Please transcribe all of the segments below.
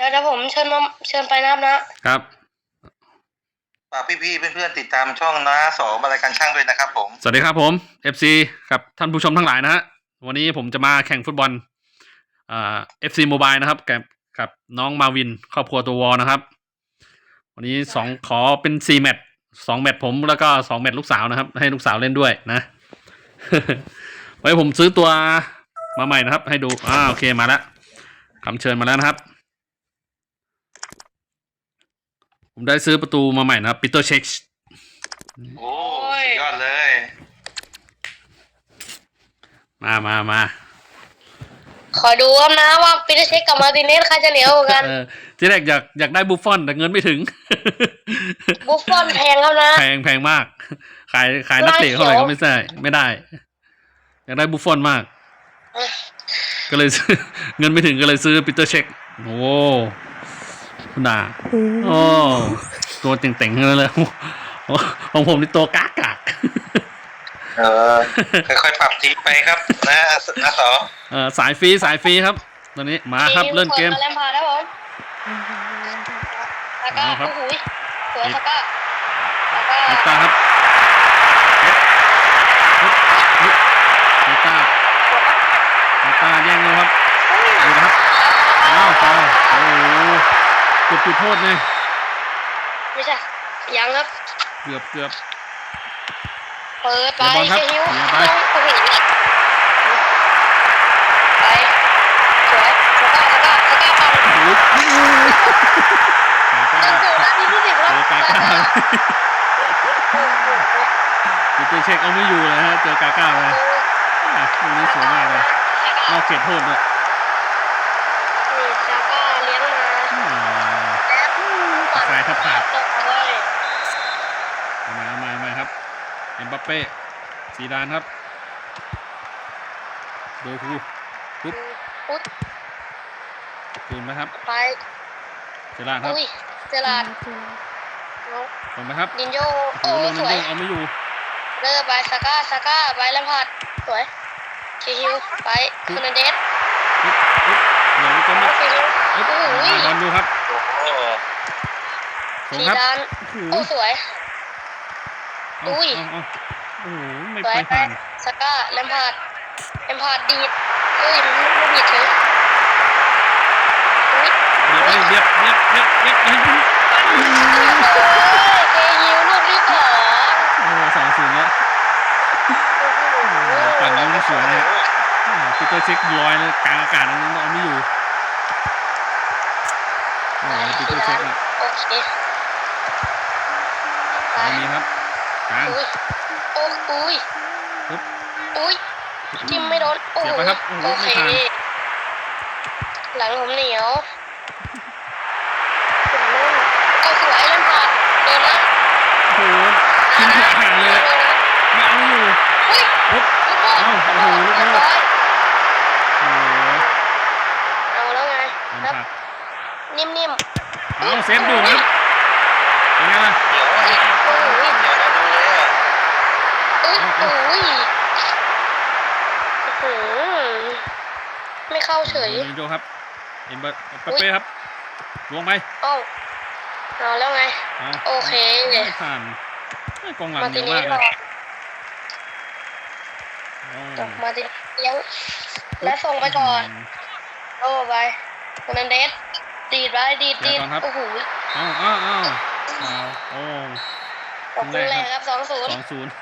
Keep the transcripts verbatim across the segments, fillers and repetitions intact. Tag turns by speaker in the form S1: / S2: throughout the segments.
S1: ดี๋ยวเดี๋ยวผมเชิญมาเชิญไปนะครับนะครับ
S2: ฝากพี่ๆเพื่อนๆติดตามช่องน้าสองบรรยายการช่างด้วยนะครับผม
S3: สวัสดีครับผม เอฟ ซี ครับท่านผู้ชมทั้งหลายนะฮะวันนี้ผมจะมาแข่งฟุตบอลอ่า เอฟ ซี Mobile นะครับกับกับน้องมาวินครอบครัวตัววอนะครับวันนี้สองขอเป็นสี่แมตช์สองแมตช์ผมแล้วก็สองแมตช์ลูกสาวนะครับให้ลูกสาวเล่นด้วยนะ ไว้ผมซื้อตัวมาใหม่นะครับให้ดูอ่าโอเคมาแล้วคำเชิญมาแล้วนะครับผมได้ซื้อประตูมาใหม่นะครับปีเตอร์เช็ค
S2: โอ้สุดยอดเลย
S3: มามามา
S1: ขอดูครับนะว่าปีเตอร์เช็คกับมาร์ติเนสใครจะเหนียวกว่ากัน
S3: ที่แรกอยากอยากได้บุฟฟอนแต่เงินไม่ถึง
S1: บุฟฟอนแพงครับนะ
S3: แพงแพงมากขายขายนักเตะเท่าไหร่ก็ไม่ใช่ไม่ได้อยากได้บุฟฟอนมากก็เลยเงินไม่ถึงก็เลยซื้อปีเตอร์เช็คโอ้คุณด่าโอ้ตัวเต่งๆเลยของผมนี่ตัวกากาก
S2: เออค่อยๆปรับทีไปครับนะนะสอ
S3: เออสายฟรีสายฟรีครับตอนนี้มาครับเล่นเกม
S1: แลมพาร์ดครับผมตาก้าโอ้โหสวยตาก้า
S3: ตาก้าครับตาก้าตาก้าแย่งเลยครับดูนะครับอ้าวฟาวโอ้โหเกือบจุดโทษเลย
S1: ไม่ใช่ยังครับ
S3: เกือบเกือบ
S1: เปิดไปเชียว
S3: ไป
S1: โอ้โหไปสวยตาก้าตาก้าตาก้าปังโอ้โหตาก้านาทีที่สิบแล้ว
S3: ตาก้าปีเตอร์เช็คเอาไม่อยู่เลยฮะเจอกาก้าเลยอ่ะลูกนี้สวยมากเลยนอกเขตโทษด้วย
S1: นี่ซาก้าเลี้ยงมา
S3: ตะไคร้ทับขาดมามามาครับเอ็มบัปเป้ซีดานครับโดคูปุ๊บ
S1: ปุ๊บ
S3: คืนไหมครับ
S1: ไป
S3: เจลาดครับ
S1: เจลาด
S3: ส่งไปครับ
S1: ดินโย
S3: โอ้สวยเอาไม่อยู่
S1: เลิกไปซาก้าซาก้าไปแลมพาร์ดสวยคิวไปคูนันเดส
S3: เดี๋ยวจะมา
S1: โอ้โห
S3: บอลดูครับ
S1: ส่งครับโอ้สวยอุ้ย
S3: โอ้โหไม่ไปผ่าน
S1: ซาก้าแลมพาร์ดแลมพาร์ดดีดเอ้ยมันไม่ดีดเฉย
S3: เรียบเรียบเรียบเรียบเรียบเรียบ
S1: เกยิวลูกที่สอง
S3: โอ้สองศูนย์แล้วปั่นลูกสวยเลยปีเตอร์เช็คลอยเลยกลางอากาศนั้นเอาไม่อยู่โอ้ปีเตอร์เช็คอ่ะ
S1: โอเค
S3: ไม่มีครับกลาง
S1: โอ้อุ้ยอุ้ยทิมไม่โดนโอ้โอเคหลังผมเหนียวเอาสวยเล่นผ่านเดินนะ
S3: โอ้โหทิ้งห่างเลยไม่เอาอยู่
S1: เฮ้ย
S3: เอาโอ้โหลูกโทษโอ้
S1: เอาแล้วไงครับนิ่ม
S3: ๆเอาเซฟดูครับเป็นไงล่ะ
S2: เดี๋ยวเดี๋ยวเราดูเลยอ่ะ
S1: เอ้ยโอ้ยไม่เข้าเฉย
S3: ดินโยครับเอ็มเบอร์เปเป้ครับลงไป
S1: เอ้าเอาแล้วไงโอเค
S3: เลยผ่านกองหลังเยอะมากเลย
S1: มาติเลี้ยงและส่งไปก่อนโอ้ไปคนนั้นเดสดีดไปดีดดีดโอ้โห
S3: อ้าวอ้าวอ้าวโอ้
S1: ขอบคุณแรกครับสองศูนย์
S3: สองศูนย์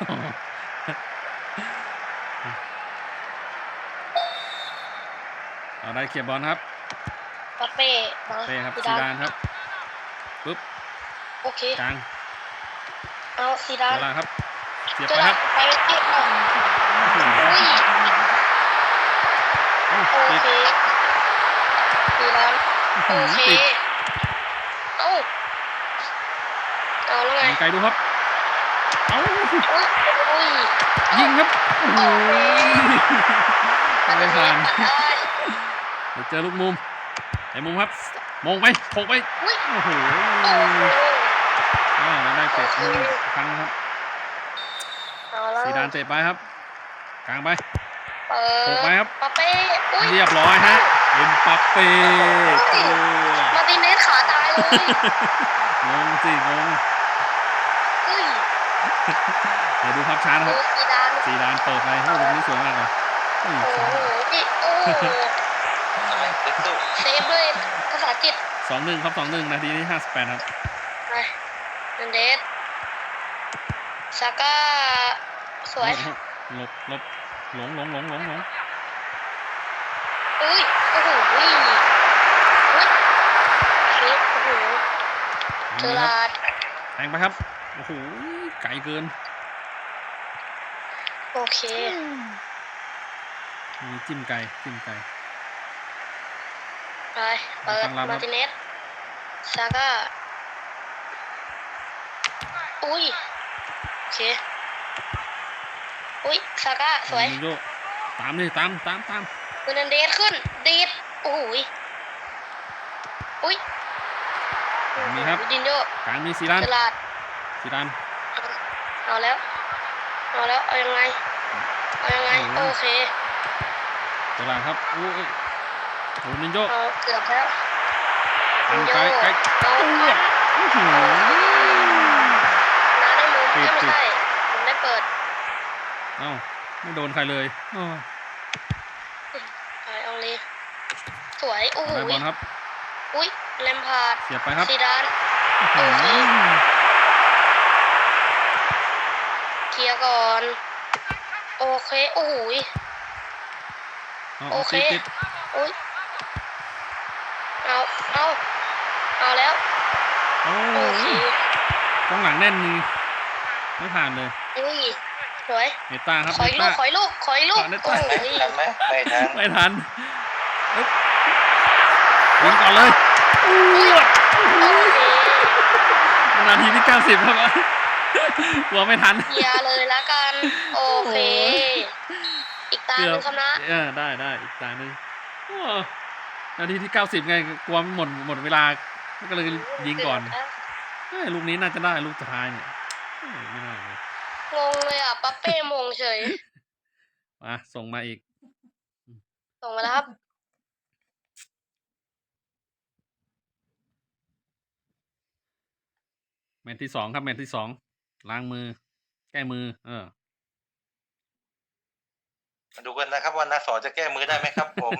S3: เอาได้เขียบบอลครับ
S1: ปัปเป้
S3: ปัปเป้ครับซีดานครับปุ๊บ
S1: โอเค
S3: กลาง
S1: เอาซีดาน
S3: ครับเสียบไปครับ
S1: ไปที่อ่ะโอเคซีดานโอเคเอาเอาแล้วไง
S3: ไกลดูครับเอา
S1: ยิ
S3: งครับโอ้โหไม่ผ่านเดี๋ยวเจอลูกมุมไอ้มุมครับมองไปโผล่ไปโอ้โหอ้าวได้เตะมุมครั้งครับซีดานเตะไปครับกลางไปโผล่ไปครับ
S1: ปาเป้
S3: เรียบร้อยฮะเอ็มปัปเป้
S1: มาติ
S3: งงสิงง
S1: เฮ้ย
S3: เดี๋ยวดูภาพช้านะค
S1: ดู
S3: รับ
S1: ซีดาน
S3: ซีดานเปิดไปโอ้โหลูกนี้สวยมากเลยเฮ้ย
S1: โอ้โหพี่โอ้โห
S2: อะไรตึ๊ดตุ๊
S1: เซฟเลยภาษาจิต
S3: สองหนึ่งครับสองหนึ่งนาทีที่ห้าสิบแปดครับ
S1: ไปนันเดสซาก้าสวย
S3: หลบหลบหลงหลงหลงหลงหลง
S1: อุ้ยโอ้โหอุ้ยอุ้ยเซฟโอ้โหเจอ
S3: นี่ครับ
S1: ราด
S3: แทงไปครับโอ้โหไกลเกิน
S1: โอเค
S3: มีจิ้มไก่จิ้มไก่
S1: ไปเปิด
S3: ตั้งรับครับ
S1: มาร์ติเนสซาก้าอุ้ยโอเคอุ้ยซาก้าสวย
S3: โยตามเลยตามตามตาม
S1: เฟอร์นันเดสขึ้นดีดโอ้โหยอุ้ย
S3: มีครับ
S1: วิดินโย
S3: กลางมีซีดาน
S1: เจอราด
S3: ซีดาน
S1: เอาแล้วเอาแล้วเอายังไงเอายังไง
S3: โอ้
S1: โอ
S3: โห
S1: เค
S3: เจอหลังครับโอ้ยโอ้นินโย
S1: เอาเกือบแล้ว
S3: อั
S1: วิ
S3: น
S1: นโย
S3: ไกลไกล
S1: เอาเอา
S3: อื้อหือ
S1: น้าได้มุม
S3: ปิ
S1: เอ้
S3: ด
S1: ยไม่
S3: ปิด
S1: ใช่ผมได้เปิด
S3: เอ้าไม่โดนใครเลยอ้อ
S1: ไปเอาเลยสวยโอ้โห
S3: ได้บอลครับ
S1: อุ้ยแลมพาร์ด
S3: เสียบไปครับ
S1: ซีดาน โอเค เคลียร์ก่อน โอเคโอ้โหย
S3: เอา
S1: โอ
S3: เอา
S1: เค
S3: ติดติด
S1: อุ้ยเอาเอาเอาแล้ว
S3: โอ้
S1: โอเค
S3: ยกองหลังแน่นนี่ไม่ผ่านเลย
S1: อุ้ยสวย
S3: เนต้าครับ
S1: ขอ
S3: เน
S1: อีกลู
S3: ต้าก
S1: ขออีกลูกขออีกลูก
S3: ขอเนต้า
S1: โอ้โหย
S2: ทันไหมไม่ทัน
S3: ไม่ทันอึ๊บยิงก่อนเลยอู้ว
S1: โอเค
S3: นาทีที่เก้าสิบครับกลัวไม่ทัน
S1: เคลียร์เลยละกัน โอเค อีกตาห
S3: เกื
S1: นึ่
S3: อบ
S1: งคำนะ
S3: เออได้ได้อีกตาหนึ่งโอ้นาทีที่เก้าสิบไงกลัวมันหมดหมดเวลาก็เลยยิงก่อนเฮ้ยลูกนี้น่าจะได้ลูกสุดท้ายเนี่ยเฮ้ยไม่น่าเลย
S1: งงเลยอ่ะปั๊ปเป้มงเฉย
S3: มาส่งมาอีก
S1: ส่งมาแล้วครับ
S3: แมตช์ที่สองครับแมตช์ที่สองล้างมือ แก้มือ เออ
S2: มาดูกันนะครับว่านาสอจะแก้มือได้ไหมครับ ผม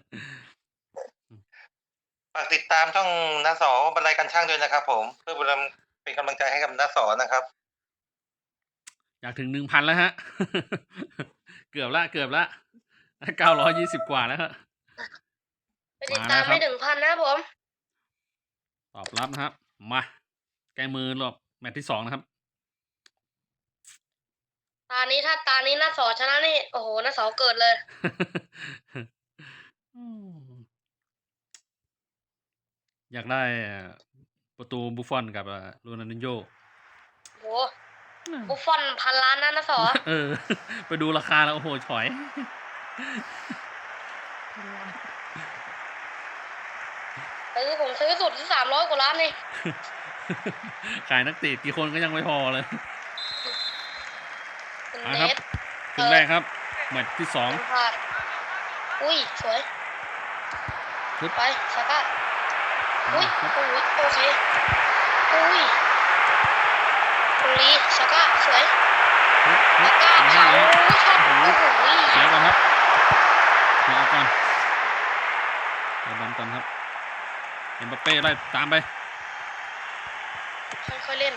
S2: ฝากติดตามช่องนาสอบรรลัยกันช่างด้วยนะครับ ผมเพื่อเป็นกำลังใจให้กับนาสอนะครับ
S3: อยากถึงหนึ่งพันแล้วฮะ เกือบละเกือบละเก้าร้อยยี่สิบกว่าแล้วฮะ
S1: ไปติดตาม
S3: มาแล้วครับ
S1: ไม่ถึงพันนะครับผม
S3: ตอบรับนะครับ มาแก้มือรอบแมตช์ที่สองนะครับ
S1: ตานี้ถ้าตานี้หน้าสอชนะนี่ โอ้โหหน้าสอเกิดเลย
S3: อยากได้ประตูบุฟฟอนกับโรนัลดินโญ่
S1: โหบุฟฟอนพันล้านนะหน้าสอ
S3: เออ ไปดูราคาแล้ว โอ้โหฉอย
S1: ซื้อผมซื้อสุดที่สามร้อยกว่าล้านนี่
S3: ขายนักเตะกี่คนก็ยังไม่พอเลย
S1: เป็น
S3: มา
S1: เน
S3: ครับ
S1: ส
S3: ครึ่งแรกครับแมตช์ที่สอง
S1: เป็นพลาดอุ้ย สวย
S3: ปึ๊บ
S1: ไปซาก้าอุ้ย
S3: ครับ
S1: โอ้ยโอเค อุ้ยตรงนี้ซาก้าสวย
S3: ปึ๊บปึ๊
S1: ซา
S3: บ
S1: ก้า
S3: ไม่
S1: เผา
S3: ให้แล้ว
S1: ช็อตโอ้โห
S3: เสียก่อนครับเสียก่อนเดี๋ยวบอลก่อนครับเอ็มบัปเป้ไล่ตามไป
S1: ค่อยๆเล่น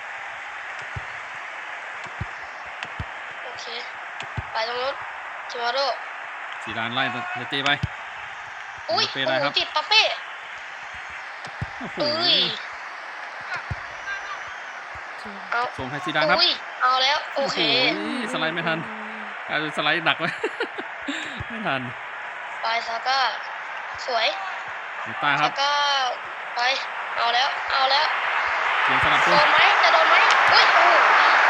S1: โอเค ไปตรงนู้นจิมาโร่
S3: สีดานไล่เนเต้ไป
S1: อุ้ย
S3: เอ็มบัปเป้
S1: โอ้
S3: ได้
S1: โห
S3: ครับ
S1: ติดปาเป้
S3: โอ้โห
S1: อุ้ย เอา
S3: ส่งให้ซีดานครับ
S1: อุ้ย เอาแล้ว โอเค
S3: โอ้โหสไลด์ไม่ทันกลายเป็นสไลด์ดักไว้ ไม่ทัน
S1: ไปซาก้า สวย
S3: เนต้าค
S1: ซา
S3: รับ
S1: ก้า ไป เอาแล้ว เอาแล้ว
S3: เสียงสลับ
S1: โด
S3: ตัวน
S1: ไหมจะโดนไหมอุ้ย โอ้โห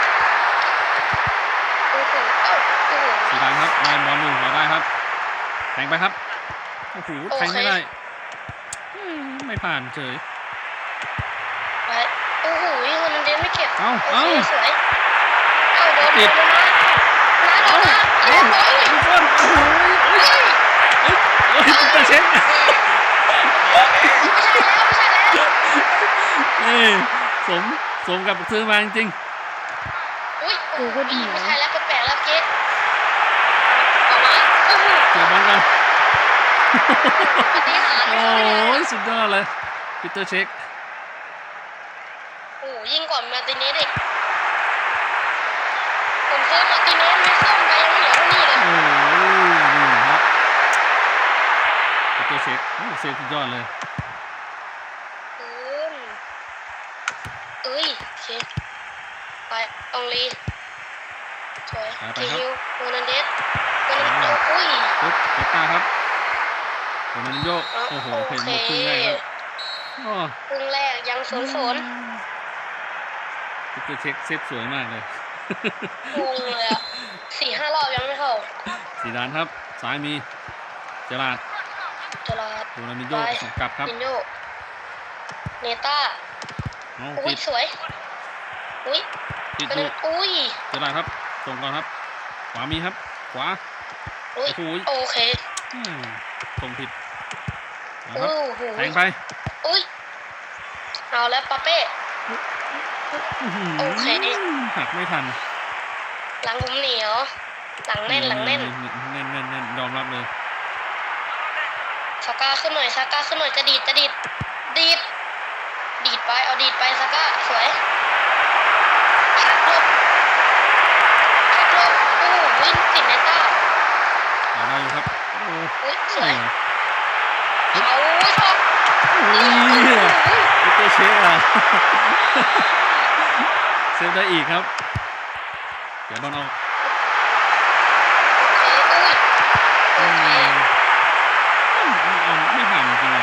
S1: โอ้โหเอ้าโอ้โห
S3: สีดานครับได้บอลหนึ่งเราได้ครับแทงไปครับโอ้โห
S1: โอเค
S3: แทงไม่ได้อืมไม่ผ่านเฉย
S1: ไปโอ้โหเงินเดนไม่เก็บ
S3: เอ้า
S1: โอ
S3: เอ้า
S1: เคสวย เอ้าโดน
S3: ติด
S1: โดนมาน้าโดนมาเรียบร้อย
S3: ทุกคนโอ้โหเอ้ยเอ้ยเอ้ยตุ๊กตาเช็ค
S1: ไม่ใช่แล้วไม่ใช่แล้ว
S3: อ้ยสมสมกับซื้อมาจริง
S1: อุ้ยโอ้โหไม่ใช่แล้วแปลกๆแล้วเจ๊ออกมาโอ้โห
S3: ๆเกี่ยวบอลกัน
S1: ปฏิหารย์
S3: โอ้
S1: ไม่เข้าไปเลย
S3: ยสุดยอดเลยปีเตอร์เช็ค
S1: โอ้โหยิ่งกว่ามาร์ติเนสอีกผมซื้อมาร์ติเนสไม่ส้มไปยังไม่เหลือเท่านี้เลย
S3: โอ้ยนี่ครับปีเตอร์เช็คโอ้เซฟสุดยอดเลย
S1: อืมเอ้ยโอเคไปอองลีสวย
S3: ไปไป
S1: ที
S3: ครับ
S1: ฮิวโรนันเดสโรนันเดสอุ้ย
S3: ปุ๊บเอตตาครับโรนัลดินโญ่
S1: อ๋อ
S3: โอ้โห
S1: โอ
S3: เพลง
S1: เค
S3: หมดครึ่งแรกครับโอ้
S1: ครึ่งแรกยังศูนย์ศูนย์
S3: ปีเตอร์เช็คเซฟสวยมากเลย
S1: งงเลยอ่ะสี่ห้ารอบยังไม่เข้า
S3: สีดานครับซ้ายมีเจราร์ด
S1: เจลาด
S3: โรนัลดินโญ่
S1: ไป
S3: ส่งกลับครับ
S1: ดินโยเนต้า
S3: เอา
S1: อุ้
S3: ติ
S1: ย
S3: ด
S1: สวยอุ้ย
S3: ติด
S1: เป็น
S3: ลูก
S1: อุ้ย
S3: เจราร์ดครับส่งก่อนครับ ขวามีครับ ขวา
S1: อุ้ย
S3: โอ้โห
S1: โอเค
S3: อืมส่งผิดนะค
S1: โอ้
S3: รับ
S1: โห
S3: แทงไป
S1: อุ้ยเอาแล้วปาเป้
S3: อื้อหื
S1: โอเค
S3: หักไม่ทัน
S1: หลังผมเหนียวหลังแน่นหลังแน่น
S3: แน่นแน่นแน่นยอมรับเลย
S1: ซาก้าขึ้นหน่อยซาก้าขึ้นหน่อยจะดีดจะดีดดีดดีดไปเอาดีดไปซาก้าสวยหักหลบหักหลบโอ้โหวิ่งติดเนต้า
S3: เอาได้อยู่ครับโอ้
S1: อุ้ยส
S3: โห
S1: วยเอาชอบ
S3: อุ้ย
S1: โอ้โห
S3: ปีเตอร์เช็คอะ เซฟได้อีกครับ เดี๋ยวบอลเอา
S1: โอเคอุ้ยโอเค
S3: เอาไม่ผ่านจริงๆเลย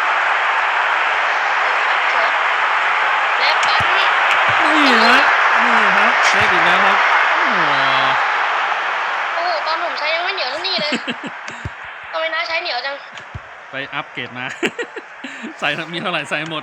S1: สวยและปั๊ม
S3: นี่ฮะนี่ครับเซฟอีกแล้วครับโอ้โห
S1: โอ้โหตอนผมใช้ยังไม่เหนียวเท่านี้เลยทำไมน้าใช้เหนียวจัง
S3: ไปอัพเกรดมา ใส่มีเท่าไหร่ใส่หมด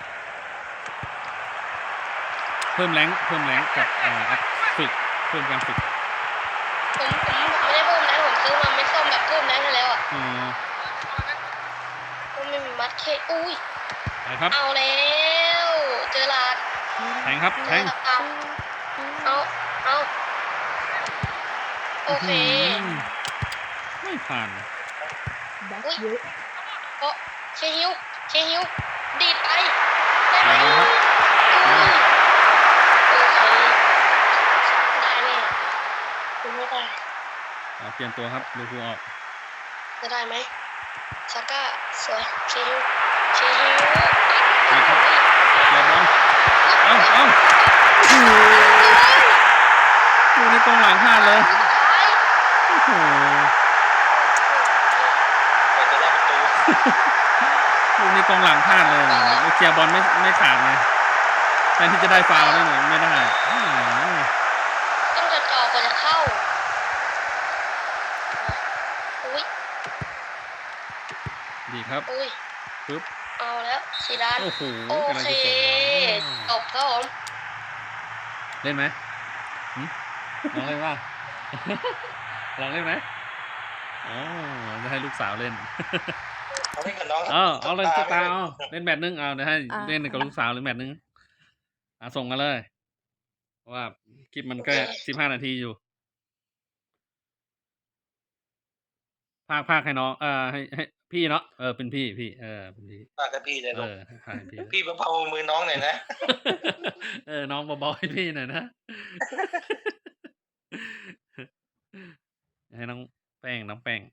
S3: เพิ่มแรงค์เพิ่มแรงค์กับอ่าอัพฝึกเพิ่มการฝึก
S1: ผมผมผมไม่ได้เพิ่มแรงผมซื้อมาไม่ส้มแบบเพิ่มแรงให้แล้วอ่ะ
S3: อ๋อ
S1: ก็ไม่มีมัดเคอุ้ย
S3: ไปครับ
S1: เอาแล้วเจอลาด
S3: แทงครับ
S1: เจ
S3: แท
S1: อง ลาดเอาเอาเอาโอเค
S3: อืมไม่ผ่าน
S1: อุ้ยเพราะเชฮิวเชฮิวดีดไปได้ไหม
S3: ได้ครับ
S1: อุ้ยโอเคได้แน่คุณไม่ได้
S3: เอาเปลี่ยนตัวครับดูคูออก
S1: จะได้ไหมซาก้าสวยเชฮิวเชฮิว
S3: ดีครับเกียร์บอลเอ้าเอ้าโอ้โหดูในกองหลังพลาดเลย
S1: สุดท้าย
S3: โอ้โห
S2: ก็จะได้ประตู
S3: ดูในกองหลังพลาดเลยเคลียร์บอลไม่ไม่ขาดเลยแทนที่จะได้ฟาวล์ด้วยเนี่ยไม่ได้อืม
S1: ต้องจะจ่อกว่าจะเข้าอุ้ย
S3: ดีครับ
S1: อุ้ย
S3: ปึ๊บ
S1: เอาแล้วสีดาน
S3: โอ้โห
S1: โอก
S3: ำลัง
S1: เค
S3: จะส่งบอล
S1: จบครับผม
S3: เล่นไหมหึลองเล่นป่ะ ลองเล่นไหมอ๋อจะให้ลูกสาวเล่น
S2: เอาเล่นกับน้อง
S3: เอาเอาเลย
S2: ต
S3: ส
S2: ไม่
S3: ตา
S2: ได้
S3: ร์เอาเล่นแมตช์นึงเอาเดี๋ยวให้
S4: อ่ะ
S3: เล่นกับลูกสาวหรือแมตช์นึงอ่ะส่งกันเลยเพราะว่าคลิปมันก็สิบห้านาทีอยู่ภาคภาคให้น้องเออให้ให้พี่เนาะเออเป็นพี่พี่เออเป็นพี่
S2: ฝากกับพี่เลย
S3: เอ
S2: ลูก
S3: อให้พี่
S2: พี่เบาๆมือน้องหน่อยนะ
S3: เออน้องเบาๆให้พี่หน่อยนะ ให้น้องแป้งน้องแป้ง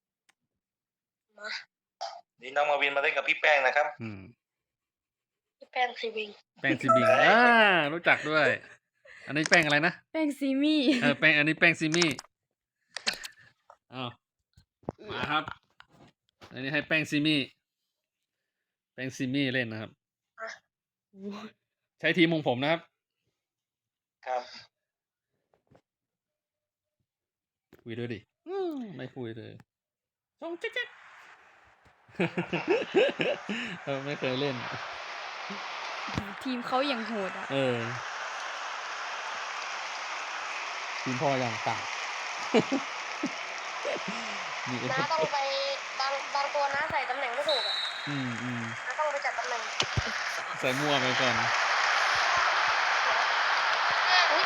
S2: นี่น้องมาวินมาเล่นกับพี่แป้งนะครับ
S3: อืม
S1: พี่แป้งซีวิง
S3: แป้งซีบิงอ่ารู้จักด้วย อันนี้แป้งอะไรนะ
S4: แป้งซีมี่
S3: เออแป้งอันนี้แป้งซีมี่อ้าวมาครับ อันนี้ให้แป้งซีมี่แป้งซีมี่เล่นนะครับ ใช้ทีมของผมนะครับ
S2: ครับ
S3: คุยด้วยดิอืมไม่คุยเลยส่งเจ๊ก เออไม่เคยเล่น
S4: ทีมเขาอย่างโหดอ่ะ
S3: เออทีมพ่ออย่างต่าง มีเอฟ
S1: น้าต้องไปบางบางตัวน้าใส่ตำแหน่งไม่ถูกอ่ะ
S3: อืมอืม
S1: น้าต้องไปจัดตำแหน่ง
S3: ใส่มั่วไปก่อน
S1: อุ้ย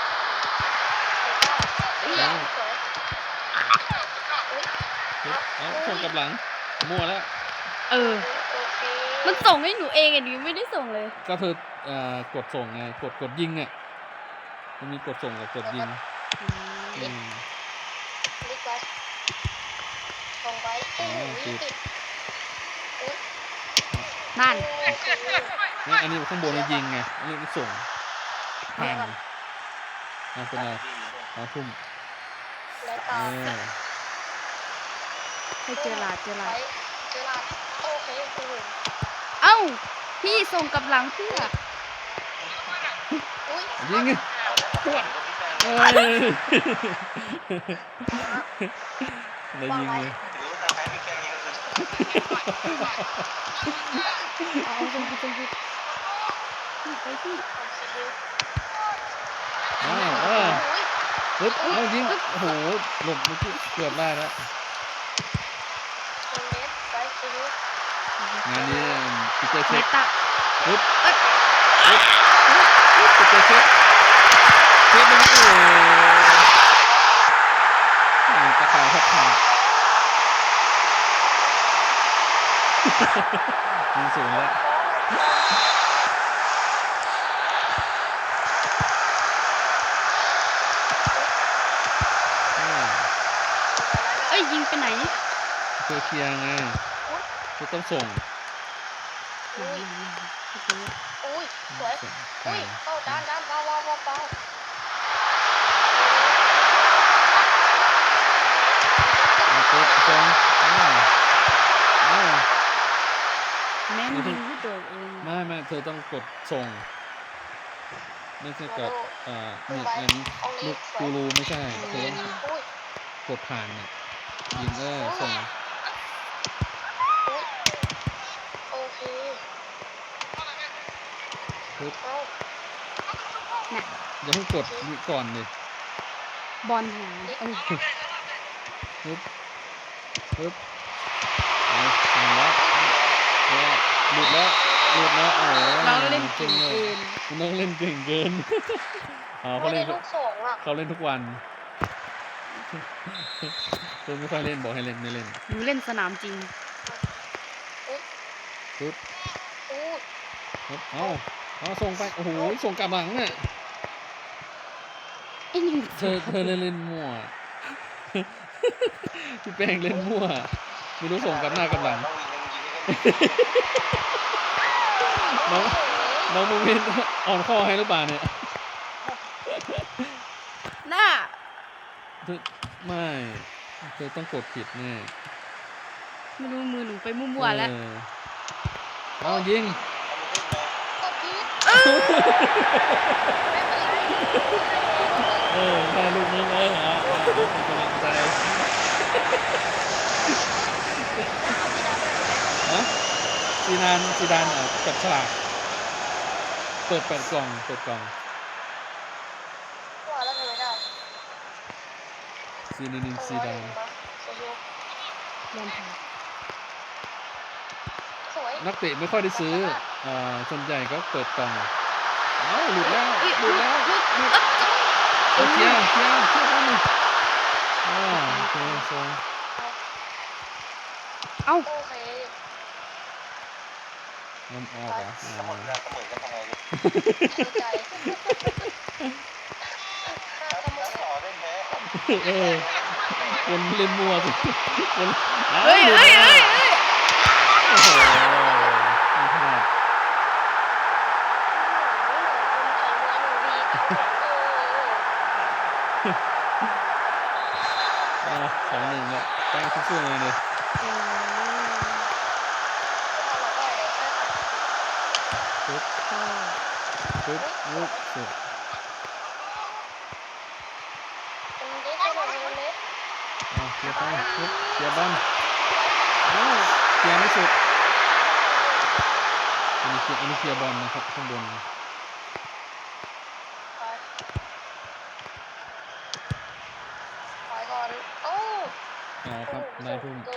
S1: เซก้าสวยอุ้ย
S3: เอาส่งกลับหลัง มั่วแล้ว
S4: เออ
S1: โอเค
S4: มันส่งให้หนูเองอ่ะหนูไม่ได้ส่งเลย
S3: ก็เธอเอ่อกดส่งไง กดกดยิงเนี่ยมันมีกดส่งกับกดยิงอืม
S1: ลิกไว้ส่งไปโอ้โหติดอุ้ย
S4: นั่น
S1: โอเค
S3: นี่อันนี้ข้างบนมันยิงไง อันนี้มันส่งผ่านอ่ะเป็นไรอ๋อทุ่ม
S1: แล้ว
S3: เอ
S1: ต่อ
S3: อ
S4: ให้เจอหลาดเจอหลาด
S1: เจอหลาดโอเคโอ้โห
S4: เอ้า พี่ส่งกลับหลังเพื่อ
S1: อุ้ย
S3: ยิงไง
S2: ปวดก็พี่แป้ง
S3: เอ้ยแล้วยิงเลย
S2: ถือว่าทางแพ้พี่แป้งนี่ก็คือ
S4: เอาเอาส่งไปส่งไปพี่ไปพี่
S3: อ้าวเออปึ๊บเอายิงโอ้โหหลบเมื่อกี้เกือบได้แล้ว
S1: เมตรไปซีรีส์
S3: งานนี้ปีเตอร์
S4: เม
S3: เช็ค
S4: ตา
S3: ปึ๊บ
S4: เอ้ย
S3: ปีเตอร์เช็คเช็คมันโอ้ยตะข่ายแทบขาดยิงสูงแล้วอ่า
S4: เอ้ยยิงไปไหน
S3: เจอเคลียร์ไงก็ต้องส่ง
S1: อุ้ยอุ้ยสวย
S3: ส่ง
S1: อุ้ยเข้าด้านด้านเบาเบาเบาเบา
S3: เอาปุ๊บส่งอ้าวอ้าว
S4: แม่นยิงที่ตัวเอง
S3: ไม่ไม่เธอต้องกดส่ง ไม่ใช่กดเอ่อเนี่ยอันนี้ลูกกูรูไม่ใช่เธอต้อง
S1: อุ้ย
S3: กดผ่านเนี่ยยิงเออส่ง
S1: อุ้ยโอเค
S3: ปึ๊บ
S1: เอา
S4: น่ะ
S3: อย่าเพิ่งกดนี่ก่อนเลย
S4: บอลหายเอ้ย
S3: ปึ๊บปึ๊บเอาส่งแล้วแล้วหลุดแล้วหลุดแล้วโอ้โห
S4: เราเล่นเก่ง
S3: เล
S4: เกิ
S3: ย
S4: น
S3: คุณน้องเล่นเก่งเกินอ๋อเขา
S1: ไม่
S3: เล่
S1: ได้
S3: น
S1: ลูกสองอ่ะ
S3: เขาเล่นทุกวันเธอไม่ค่อยเล่นบอกให้เล่นไม่เล่น
S4: หนูเล่นสนามจริง
S3: ปึ๊บ
S1: อู้
S3: ปึ๊บเอาเอาส่งไปโอ้โหส่งกลับหลังเนี่ย
S4: ไอ้นี่
S3: เธอเธอเล่นเล่นมั่ว พี่แป้งเล่นมั่วไม่รู้ส่งกลับหน้ากลับหลัง
S2: น้องวินยังยิงไม่ได้
S3: น้องน้องมูมินอ่อนข้อให้หรือเปล่าเนี่ย
S4: หน้า
S3: เธอไม่เธอต้องกดผิดแน่
S4: ไม่รู้มือหนูไปมั่วๆแล้ว
S3: เออเอายิง
S1: กดพีท
S3: เออได้ลูกนึงเออเอาเอาเอาเป็นกำลังใจฮะซีดานซีดานอ่ะจับฉลากเปิดเปิดกล่องเปิดกล่อง
S1: ว่าแล้วทำไมได้
S3: ซีนินซีดาน
S4: เล่นผ่าน
S1: สวย
S3: นักเตะไม่ค่อยได้ซื้ออ่าส่วนใหญ่ก็เปิดกล่องเอ้าหลุดแล้ว
S4: เอ้ย
S3: หลุดแล้ว
S4: หลุด
S3: หลุด
S4: เอ้ย
S3: เอาเคลียร์เคลียร์เคลียร์บ้างเลยอ่าโอเคโซน
S4: เอ้า
S1: โอเค
S3: น้ำออกเหรอ
S2: เสมอกันเสมอกันทำไงดี
S1: เข้าใจถ้าเสมอ
S2: ต่อเล่นแพ้
S3: เออคนเล่นมัวสิคนอ้าว
S4: เฮ้ย
S3: หลุด
S4: เฮ้ย
S3: แล้ว
S4: เฮ้ยเฮ้ย
S3: โอ้โหไม่พลาดอ่าสองหนึ่งแล้วแป้งสู้ๆเลยเลยปึ๊บปึ๊บลุกสุดอ่าเคลียร์ไปปึ๊บเคลียร์บอลอ้าวเคลียร์ไม่สุดอันนี้เคลียร์อันนี้เคลียร์บอลนะครับข้างบน อ๋อครับได้ทุ่ม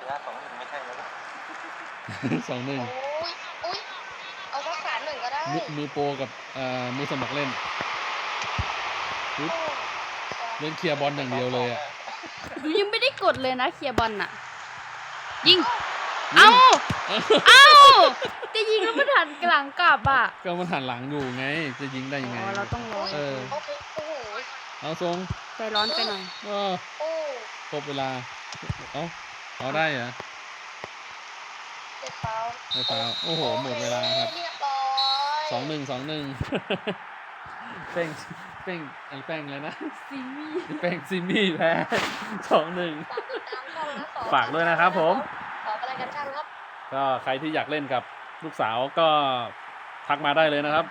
S2: นะสองหนึ่งไม่ใช่แล้วนะ
S3: สองหนึ่ง
S1: โอ้ยอุ้ยเอาสักสามหนึ่งก็ได้
S3: มือมือโปรกับเอ่อมือสมัครเล่นปึ๊บ
S1: โอ้
S3: เล่นเคลียร์บอลอย่างเดียวเลยอ่ะ
S4: ยังไม่ได้กดเลยนะเคลียร์บอลน่ะ ยิง
S3: ยิ
S4: เอ้า
S3: ง
S4: เอ้าจะยิงแล้วมันหันกลางกลับอ่ะ
S3: ก็มันหันหลังอยู่ไง จะยิงได้ยังไง
S4: อ๋อเราต้องรอ
S3: เออ
S1: โอเคโอ้โห
S3: เอาทรง
S4: ใจร้อนไปหน่อย
S3: ก็
S1: โอ้
S3: ครบเวลา เอาเอาได้เหรอ
S1: เจ็บเปล่า
S3: ไม่ฟาวโอ้โห หมดเวลาครับ
S1: เรียบร้อย
S3: สองหนึ่งสองหนึ่ง เป้งเป้งอะไรแป้งเลยนะ
S4: ซีมี่
S3: เป้งซิมี่แพ้สองหนึ่ง
S1: ฝากติดตามช่องนะสอง
S3: ฝากด้วยนะครับผม
S1: ขออะไรกันช่างครับ
S3: ก็ใครที่อยากเล่นกับลูกสาวก็ทักมาได้เลยนะครับ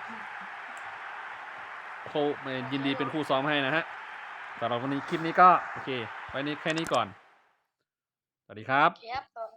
S3: โคยินดีเป็นคู่ซ้อมให้นะฮะสำหรับวันนี้คลิปนี้ก็โอเคไว้นี้แค่นี้ก่อน สวัสดีครับ
S1: ครับ